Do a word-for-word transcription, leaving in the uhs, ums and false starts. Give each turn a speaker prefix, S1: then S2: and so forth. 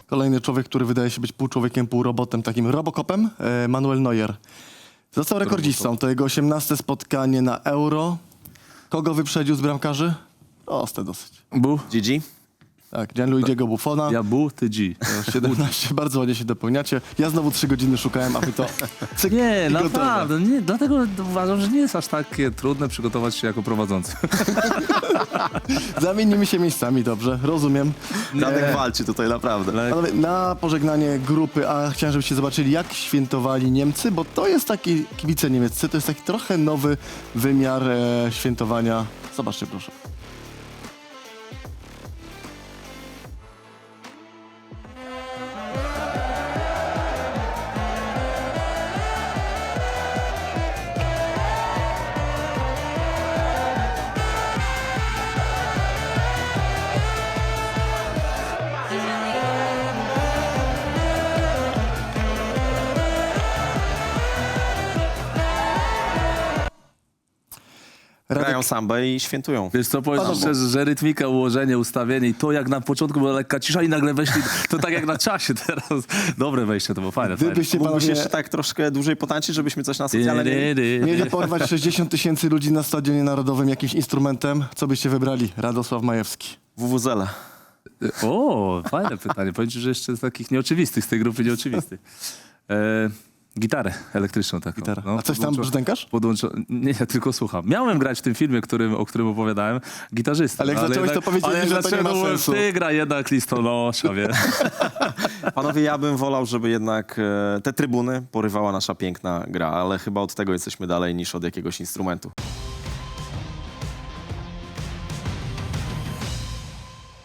S1: Kolejny człowiek, który wydaje się być pół człowiekiem, pół robotem, takim robokopem, e, Manuel Neuer. Został rekordzistą, to jego osiemnaste spotkanie na Euro. Kogo wyprzedził z bramkarzy? Proste dosyć.
S2: Bu?
S3: G G?
S1: Tak, Gianluigiego Buffona.
S2: Ja Bu, ty G.
S1: siedemnaście, bardzo ładnie się dopełniacie. Ja znowu trzy godziny szukałem, a wy to... Cyk,
S2: Nie,
S1: i gotowe.
S2: naprawdę, nie, dlatego uważam, że nie jest aż takie trudne przygotować się jako prowadzący.
S1: Zamienimy się miejscami, dobrze, rozumiem.
S3: Radek walczy tutaj naprawdę.
S1: Panowie, na pożegnanie grupy A chciałem, żebyście zobaczyli, jak świętowali Niemcy, bo to jest taki, kibice niemieccy, to jest taki trochę nowy wymiar e, świętowania. Zobaczcie proszę.
S3: Grają sambę i świętują.
S2: Wiesz co, powiem
S1: Panowie.
S2: szczerze, że rytmika, ułożenie, ustawienie i to jak na początku była lekka cisza i nagle weszli, to tak jak na czasie teraz. Dobre wejście, to było fajne, fajne.
S1: Gdybyście
S3: Mógłbyś
S1: panowie
S3: jeszcze tak troszkę dłużej potańczyć, żebyśmy coś na socjalne mieli?
S1: mieli porwać sześćdziesiąt tysięcy ludzi na Stadionie Narodowym jakimś instrumentem, co byście wybrali? Radosław Majewski.
S3: W W Z L.
S2: O, fajne pytanie. Powiem ci, że jeszcze z takich nieoczywistych, z tej grupy nieoczywistych. E, gitarę elektryczną taką.
S1: Gitara.
S2: No,
S1: A coś tam
S2: podłączo-
S1: brzdękasz?
S2: Podłączo... Nie, ja tylko słucham. Miałem grać w tym filmie, którym, o którym opowiadałem, gitarzysta.
S1: Ale jak zacząłeś, to powiedzieli,
S2: ale jak
S1: że to nie
S2: zacząłem,
S1: ma
S2: mówiłem,
S1: sensu.
S2: Ty gra jednak listonosza, wiesz.
S3: Panowie, ja bym wolał, żeby jednak e, te trybuny porywała nasza piękna gra, ale chyba od tego jesteśmy dalej niż od jakiegoś instrumentu.